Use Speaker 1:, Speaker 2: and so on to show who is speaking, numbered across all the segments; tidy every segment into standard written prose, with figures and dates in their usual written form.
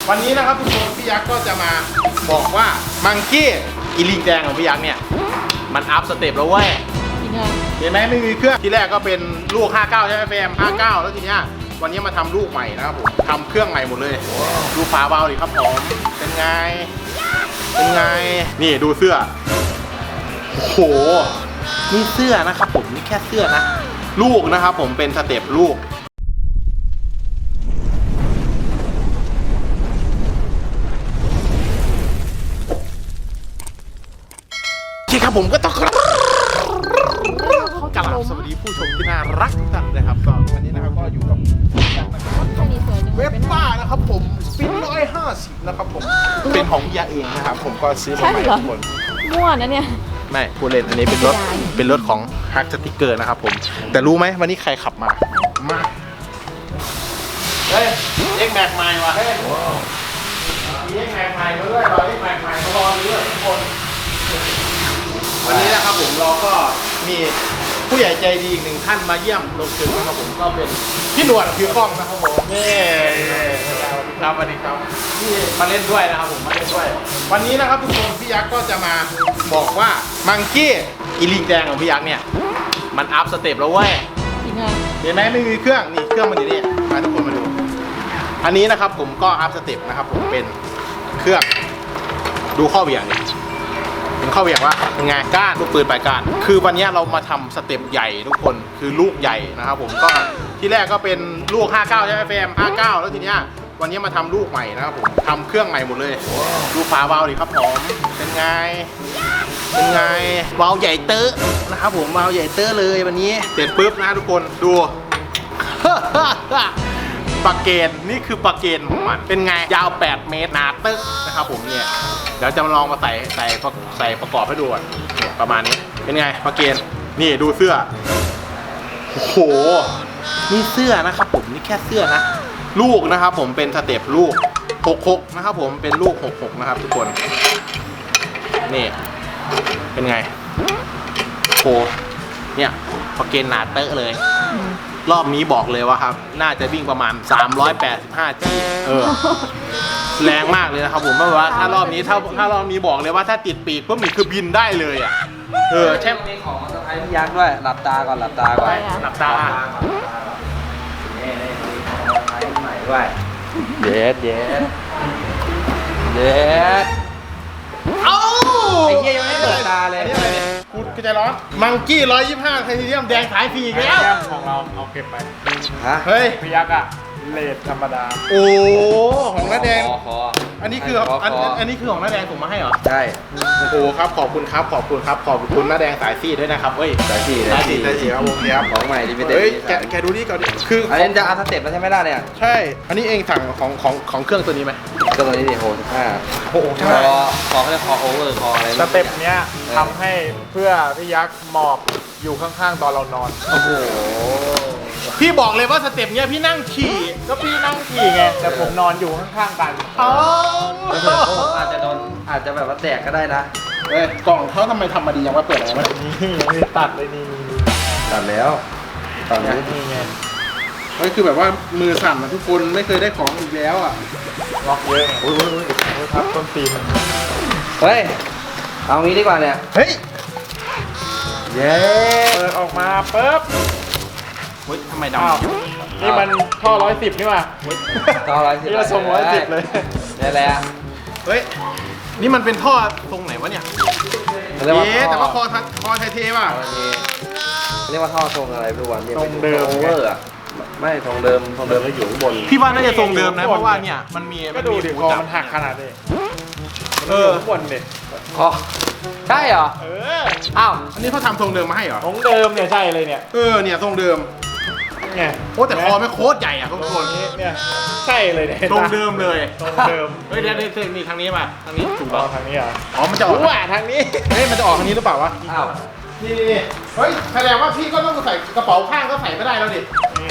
Speaker 1: วันนี้นะครับทุกคนพี่ยักษ์ก็จะมาบอกว่ามังกี้อีลิงแดงของพี่ยักษ์เนี่ยมันอัพสเต็ปแล้วเว้ยเห็นไหมไม่มีเครื่องที่แรกก็เป็นลูก 59 ใช่ไหมเฟรม59 แล้วทีเนี้ยวันนี้มาทำลูกใหม่นะครับผมทำเครื่องใหม่หมดเลยดูฝาเบาดิครับผมเป็นไงนี่ดูเสื้อโอ้โหนี่เสื้อนะครับผมนี่แค่เสื้อนะลูกนะครับผมเป็นสเต็ปลูกครับผมก็ต้องกราบสวัสดีผู้ชมที่น่ารักทุกท่านนะครับก็วันนี้นะครับก็อยู่กับเว็บป้านะครับผมฟิน150นะครับผมเป็นของพี่ยาเองนะครับผมก็ซื้อมาใหม่ทุกคน
Speaker 2: ม่วนนะเนี่ย
Speaker 1: ไม่พูดเล่นอันนี้เป็นรถของฮักสติ๊กเกอร์นะครับผมแต่รู้ไหมวันนี้ใครขับมาเฮ้ยเอ็กแม็กใหม่ว่ะเฮ้ยมีเอ็กแม็กใหม่มาด้วยเอ็กแม็กใหม่มารอด้วยทุกคนวันนี้นะครับผมเราก็มีผู้ใหญ่ใจดีอีกหนึ่งท่านมาเยี่ยมลงถึงนะครับผมก็เป็นพี่หนวดคือกล้องนะครับผมนี่ครับสวัสดีครับที่มาเล่นด้วยนะครับผมมาเล่นด้วยวันนี้นะครับทุกคนพี่ยักษ์ก็จะมาบอกว่ามังกี้อีลิงแดงของพี่ยักษ์เนี่ยมันอัพสเต็ปแล้วเว้ยเห็นไหมไม่มีเครื่องนี่เครื่องมันอยู่นี่มาทุกคนมาดูอันนี้นะครับผมก็อัพสเต็ปนะครับผมเป็นเครื่องดูข้อเหวี่ยงนี่เป็นข้อเหวี่ยงว่าไงก้านลูกปืนปลายก้านคือวันนี้เรามาทำสเต็ปใหญ่ทุกคนคือลูกใหญ่นะครับผมก็ที่แรกก็เป็นลูก 59 ใช่ไหมเฟรม59 แล้วทีเนี้ยวันนี้มาทำลูกใหม่นะครับผมทำเครื่องใหม่หมดเลยดูฝาเบาดิครับผมเป็นไงเบาใหญ่เตอะนะครับผมเบาใหญ่เตอะเลยวันนี้เสร็จปุ๊บนะทุกคนดู ปากเกนนี่คือปากเกนของมันเป็นไงยาว8 เมตรหนาตึ๊กนะครับผมเนี่ยเดี๋ยวจะลองมาใส่ประกอบให้ดูก่อนเนี่ยประมาณนี้เป็นไงปากเกนนี่ดูเสื้อโอ้โหนี่เสื้อนะครับผมนี่แค่เสื้อนะลูกนะครับผมเป็นสเต็ปลูก66นะครับผมเป็นลูก66นะครับทุกคนนี่เป็นไงโหเนี่ยปากเกนหนาเตอะเลยรอบนี้บอกเลยว่าครับน่าจะวิ่งประมาณ385 G แรงมากเลยนะครับผมเพราะว่าถ้ารอบนี้บอกเลยว่าถ้าติดปีกปุ๊บนี่คือบินได้เลยอ่ะใช่
Speaker 3: มีของมาสะพายพี่ยักษ์ด้วยหลับตาก่อนหลับตานี่ของมาสะพายใหม่ด้วยเย็ด
Speaker 1: เอ้า
Speaker 3: ไอ้เหี้ยยังไม่เปิดตาเลย
Speaker 1: กูใจร้อนมังกี้125ไทเทเนียมแดงขายฟรีอีกแล้ว
Speaker 4: ของเราเอาเก็บไป
Speaker 1: เฮ้ย
Speaker 4: พี่ยักษ์อะเลทธรรมดา
Speaker 1: โอ้ของน้าแดง
Speaker 3: คอ
Speaker 1: อันนี้คืออันนี้คือของน้าแดงผมมาให้เหรอ
Speaker 3: ใช่
Speaker 1: โอ้โหครับขอบคุณครับขอบคุณน้าแดงสายซีด้วยนะครับเฮ้ย
Speaker 3: สายซี
Speaker 1: ครับผมครับ
Speaker 3: ของใหม่ที่ไม่เต็ม
Speaker 1: แกดูนี่ก่อนดิคือ
Speaker 3: อันนี้จะอัพสเต็ปแล้วใช่ไหมล่ะเนี่ย
Speaker 1: ใช่อันนี้เองสั่งของเครื่องตัวนี้ไหม
Speaker 3: ก็ตัวนี้ดิโห15โอ้โหใช่คอเขาเรียกคอโอเวอร์คออะไร
Speaker 4: สเต็ปเนี้ยทำให้เพื่อพี่ยักษ์หมอบอยู่ข้างๆตอนเรานอน
Speaker 3: โอ้โห
Speaker 1: พี่บอกเลยว่าสเต็ปเนี้ยพี่นั่งขี่
Speaker 4: ก็พี่นั่งขี่ไงแต่ผมนอนอยู่ข้างๆกัน
Speaker 3: ผมอาจจะแบบว่าแตกก็ได้นะ
Speaker 1: กล่องเขาทำไมทำมาดียังว่าเปิดอะไรวะ
Speaker 4: นี่ตัดเลยนี่
Speaker 3: ตัดแล้วตัดแล้ว
Speaker 4: นี่ไง
Speaker 1: ก็คือแบบว่ามือสั่นนะทุกคนไม่เคยได้ของอีกแล้วอ่ะ
Speaker 4: ล็อกเยอะโอ้ยทับต้นตีน
Speaker 3: เฮ้ยเอางี้ดีกว่าเนี่ย
Speaker 1: เฮ้ย
Speaker 4: เย้เปิดออกมาปุ๊บ
Speaker 1: เฮ้ยทำไมด
Speaker 4: ำนี่มันท่อ110นี่ว่ะ
Speaker 3: ท่อ110
Speaker 4: นี่เราส่ง110เลย
Speaker 3: นี่แหละ
Speaker 1: เฮ้ยนี่มันเป็นท่อตรงไหนวะเนี่ยแต่ว่าคอไทเทป่ะ
Speaker 3: เรียกว่าท่อทรงอะไรไม่รู้วันนี้
Speaker 4: ทรงเดิม
Speaker 3: เวอร์อะไม่ทรงเดิมก็อยู่ข้างบน
Speaker 1: พี่ว่าน่าจะทรงเดิมนะเพราะว่าเนี่ยมันมี
Speaker 4: ก็ดูดิคอมันหักขนาดนี้ข้างบนดิ
Speaker 3: คอใช่เหรอ
Speaker 1: อ้าวอันนี้เขาทำทรงเดิมมาให้เหรอ
Speaker 4: ทรงเดิมเนี่ยใช่เลยเนี่ย
Speaker 1: เนี่ยทรงเดิม
Speaker 4: ไง
Speaker 1: โอ้แต่คอไม่โคตรใหญ่อ่ะทุกคน
Speaker 4: เนี่ยใช่เลยเนี่ย
Speaker 1: ตรงเดิมเลย
Speaker 4: ตรงเดิม
Speaker 1: เฮ้ยเดี๋ยวนี่ทางนี้มาทางนี้ถูกต้อง
Speaker 4: ทางนี้อ่ะ
Speaker 1: มันจะออก
Speaker 4: ทางนี้
Speaker 1: เฮ้ยมันจะออกทางนี้หรือเปล่าวะ
Speaker 3: อ้าว
Speaker 1: นี่เฮ้ยแสดงว่าพี่ก็ต้องใส่กระเป๋าข้างก็ใส่ไม่ได้แล้วดิ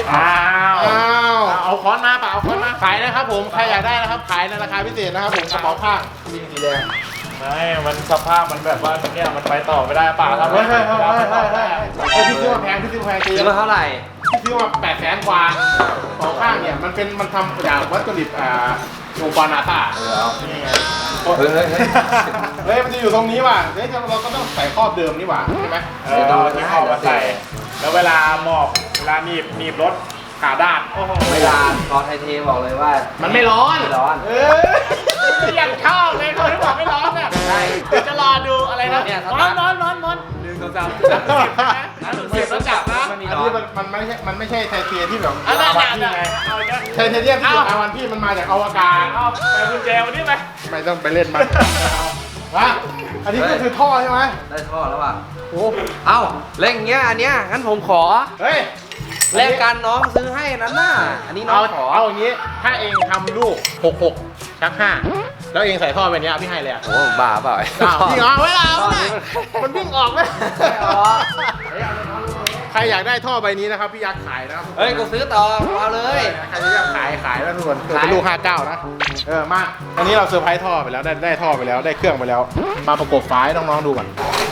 Speaker 1: เอาค้อนมาเปล่าเอาค้อนมาขายนะครับผมใครอยากได้นะครับขายในราคาพิเศษนะครับผมกระเป๋าข้างมีสีแดง
Speaker 4: ไม่มันสภาพมันแบบว่าเนี่ยมันไปต่อไม่ได้ป่าครับ
Speaker 1: พี่ซื้อมาแพง
Speaker 3: ซื้อมาเท่าไหร่
Speaker 1: พี่ซื้อมา800,000 กว่าสองข้างเนี่ยมันทำจากวัตถุดิบองค์กรนาซานี่ไง
Speaker 3: เฮ้ย
Speaker 1: เฮ้ยมันจะอยู่ตรงนี้ว่ะเฮ้ยเราก็ต้องใส่ครอบเดิมนี่หว่าใช่ไหม
Speaker 4: เอาที่คอมาใส่ แล้วเวลาหมอบเวลาหนีบรถขาด้านโอ้โห
Speaker 3: เวลาตอนไทยเทบอกเลยว่า
Speaker 1: มันไม่ร้อน
Speaker 3: ไม่ร้อน
Speaker 4: ยังชอบเลยคนที่บอกไม่ร้อนอ่ะ
Speaker 3: ใช่
Speaker 4: จะรอดูอะไรนะ
Speaker 3: เนี่ย
Speaker 4: ร้อน1 2 3 4 10แล้วจับนะ
Speaker 1: อันนี้มันไม่ใช่ไทเทที่แบบ
Speaker 4: อันนั้น
Speaker 1: วันพี่ไงไทเทเนียมที่อยู่อาวันพี่มันมาจากอวกาศ
Speaker 4: เอาแต่กุญแจวันนี้ไหม
Speaker 1: ไม่ต้องไปเล่นมันวะอันนี้ก็คือท่อใช่ไหม
Speaker 3: ได้ท่อแล้วว่ะ
Speaker 1: โอ้
Speaker 3: เอ้าเล่นอย่างเงี้ยอันเนี้ยงั้นผมขอ
Speaker 1: เฮ้ย
Speaker 3: แลกกันน้องซื้อให้นั้นน่ะอันนี้น้องขอ
Speaker 1: เอาอย่างนี้ถ้าเองทำลูก66 ชัก 5แล้วเองใส่ท่อไปเนี้ยพี่ให้เลยอ่ะ
Speaker 3: โอ้บ้าเปล่า
Speaker 1: พี่เอาไว้แล้วมันวิ่งออกไหม
Speaker 3: ไม่ออก
Speaker 1: ใครอยากได้ท่อใบนี้นะครับพี่ยักษ์ขายนะครับ
Speaker 3: เฮ้ยกูซื้อต่อเอาเลย
Speaker 1: ใครจะอยากขายแล้วทุกคนเป็นลูก59นะมาอันนี้เราเซอร์ไพรส์ท่อไปแล้วได้ท่อไปแล้วได้เครื่องไปแล้ว มาประกบฝาให้น้องๆดูก่อน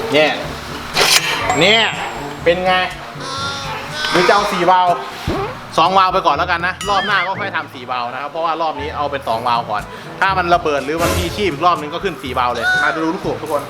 Speaker 1: เนี่ยเป็นไงหรือจะเอา4 วาล์ว2 วาล์วไปก่อนแล้วกันนะรอบหน้าก็ค่อยทำ4 วาล์วนะครับเพราะว่ารอบนี้เอาเป็น2 วาล์วก่อนถ้ามันระเบิดหรือมันมีชีพอีกรอบนึงก็ขึ้น4 วาล์วเลยมาดูลูกสูบทุกคน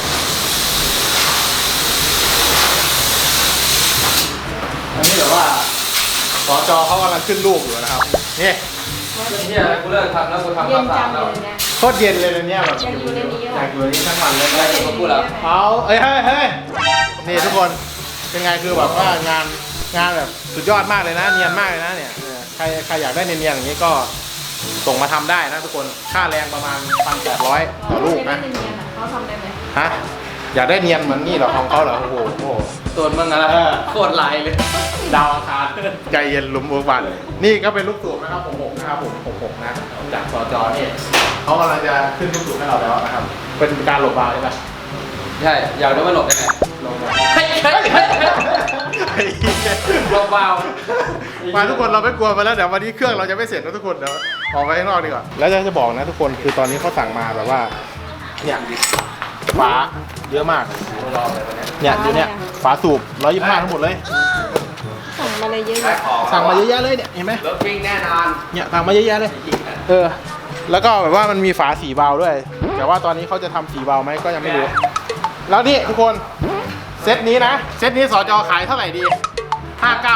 Speaker 1: อันนี้แบบว่าสจเขากำลังขึ้นลูกอยู่นะครับนี่
Speaker 3: เฮียกูเลิกทำแล้วกูทำ
Speaker 2: เย็
Speaker 3: ตาน ม
Speaker 2: จั
Speaker 3: สาง ม
Speaker 2: เล
Speaker 3: แล้ว
Speaker 2: ยนะ
Speaker 1: โคตรเย็นเลยนะเนี่ยแบบ
Speaker 2: ยังอยู่ในนี้
Speaker 1: อ
Speaker 2: อ่ะ
Speaker 1: ยากอยู่ในนี้ทั้งวันเลย
Speaker 3: ไม่ได้กูพูดแล้ว
Speaker 1: เอาเฮ้ยนี่ทุกคนเป็นไงคือแบบว่างานแบบสุดยอดมากเลยนะเนียนมากเลยนะเนี่ยใครอยากได้เนียนๆอย่างนี้ก็ส่งมาทำได้นะทุกคนค่าแรงประมาณ 1,800 ต่อลูกนะ
Speaker 2: เขาทำได้ไหม
Speaker 1: ฮะอยากได้เนียนเหมือนนี่เหรอของเขาเหรอโอ้โห
Speaker 3: ตัวมึงอะไรโคตรลายเลย
Speaker 1: ดาวอังคารใจเย็นลุมเวิร์กวันนี่ก็เป็นลูกสูบนะครับ66นะครับผม66นะจากสจนี่เขากำลังจะขึ้นลูกสูบให้เราแล้วนะครับเป็นการหลบบาวใช่ไหม
Speaker 3: ใช่อยากรู้ว่าหลบยังไง
Speaker 1: ลงมา
Speaker 3: หลบเบา
Speaker 1: มาทุกคนเราไม่กลัวไปแล้วเดี๋ยววันนี้เครื่องเราจะไม่เสร็จนะทุกคนเดี๋ยวออกไปข้างนอกดีกว่าแล้วจะบอกนะทุกคนคือตอนนี้เขาสั่งมาแบบว่าเนี่ยฝาเยอะมากเนี่ยอยู่เนี่ยฝาสูบ125ทั้งหมดเลย
Speaker 2: สั่งมาเลยเยอะ
Speaker 3: ได้ของ
Speaker 1: สั่งมาเยอะแยะเลยเนี่ยเห็นไหม
Speaker 3: รถวิ่งแน่นอน
Speaker 1: เนี่ยสั่งมาเยอะแยะเลยแล้วก็แบบว่ามันมีฝา4 วาล์วด้วยแต่ว่าตอนนี้เขาจะทำ4 วาล์วไหมก็ยังไม่รู้แล้วนี่ทุกคนเซตนี้นะเซตนี้สจขายเท่าไหร่ดี59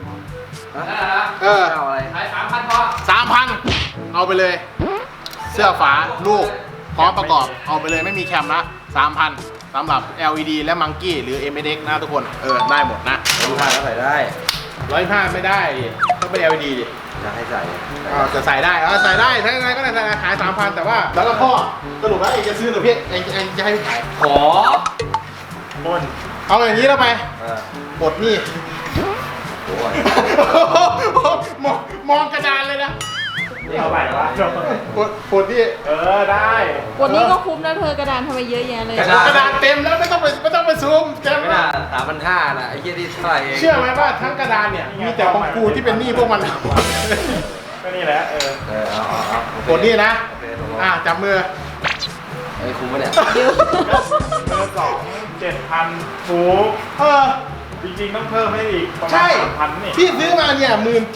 Speaker 3: เอาอะไรขาย3,000พอ
Speaker 1: 3,000 เอาไปเลย เสื้อฝาลูกพร้อมประกอบเอาไปเลยไม่มีแคมนะ 3,000สำหรับ LED และมังกี้หรือ MX นะทุกคนได้หมดนะ
Speaker 3: ดูผ่านแล้วใส่ได้
Speaker 1: 125ไม่ได้ดิต้องเป็น LED ดิ
Speaker 3: จะให้ใส่
Speaker 1: จะใส่ได้ใส่ได้ถ้าไงก็ได้ใส่ขาย 3,000 แต่ว่าแล้วก็พ่อสรุปแล้วเองจะซื้อหรือพี่เองจะให้พี่ขาย
Speaker 3: ขอ
Speaker 1: บนเอาอย่างนี้แล้วไปหมดนี่
Speaker 3: โอ้ย
Speaker 1: มองกระดานเลยนะ
Speaker 4: นี่เอาไปวะ
Speaker 1: หมดนี่
Speaker 4: ได้
Speaker 2: วันนี้ก็คุ้มนะเธอกระดานทำไมเยอะแยะเลย
Speaker 1: กระดานเต็มแล้วไม่ต้องไปซูมเต็ม
Speaker 3: ไม่
Speaker 1: แล้
Speaker 3: น่าว 3,500นะไอ้เหี้ยที่เท่าไหร่เอง
Speaker 1: เชื่อไหมว่าทั้งกระดานเนี่ยมีแต่ของกูที่เป็นหนี้พวกมัน
Speaker 4: ก็นี่แหละ
Speaker 3: เอา
Speaker 1: หมดนี่นะ
Speaker 3: โอเคตกลง
Speaker 1: จับมือ
Speaker 3: ไอ้คุ้มปะเนี่ย
Speaker 2: เยอะ
Speaker 4: เบอร์2 7,000ถูกจริงๆต้องเพิ่มให้อีกประมา
Speaker 1: ใช่
Speaker 4: ณ 3,000นี่
Speaker 1: ที่ซื้อมาเนี่ย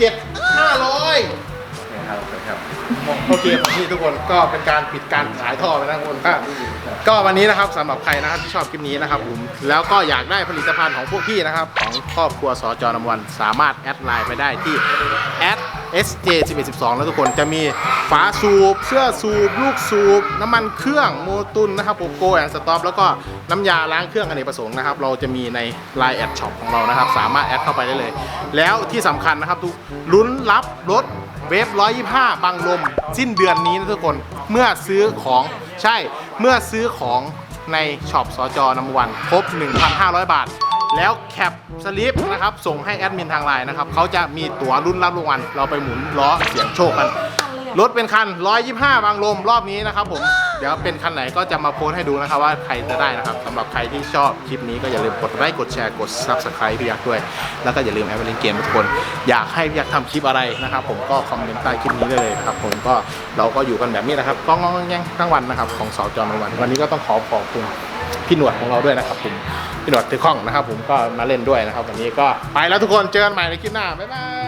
Speaker 1: 17,500
Speaker 3: ครับ
Speaker 1: โอเคผมนี่ทุกคนก็เป็นการปิดการขายท่อไปนะทุกคนก็วันนี้นะครับสำหรับใครนะครับที่ชอบคลิปนี้นะครับผมแล้วก็อยากได้ผลิตภัณฑ์ของพวกพี่นะครับของครอบครัวสจนำวันสามารถแอดไลน์ไปได้ที่ @sj1112 แล้วทุกคนจะมีฝาสูบเสื้อสูบลูกสูบน้ำมันเครื่องโมตุนนะครับโกโก้แอนด์สต็อปแล้วก็น้ำยาล้างเครื่องอเนกประสงค์นะครับเราจะมีใน Line แอดช็อปของเรานะครับสามารถแอดเข้าไปได้เลยแล้วที่สำคัญนะครับทุกลุ้นรับรถเวฟ125 บังลมสิ้นเดือนนี้นะทุกคนเมื่อซื้อของเมื่อซื้อของในช็อปสจนำวันครบ 1,500 บาท แล้วแคปสลิปนะครับส่งให้แอดมินทางไลน์นะครับเขาจะมีตั๋วรุ่นรับรางวัลเราไปหมุนล้อเสี่ยงโชคกันรถเป็นคัน125 บังลมรอบนี้นะครับผมเดี๋ยวเป็นคันไหนก็จะมาโพสให้ดูนะครับว่าใครจะได้นะครับสำหรับใครที่ชอบคลิปนี้ก็อย่าลืมกดไลค์กดแชร์กด Subscribe พี่ยักษ์ด้วยแล้วก็อย่าลืมแอปเล่นเกมทุกคนอยากให้พี่ยักษ์ทำคลิปอะไรนะครับผมก็คอมเมนต์ใต้คลิปนี้ได้เลยครับผมก็เราก็อยู่กันแบบนี้นะครับก้องๆแย่งทั้งวันนะครับของสจนวันนี้ก็ต้องขอบคุณพี่หนวดของเราด้วยนะครับผมพี่หนวดถือข้องนะครับผมก็มาเล่นด้วยนะครับวันนี้ก็ไปแล้วทุกคนเจอกันใหม่ในคลิปหน้าบ๊ายบาย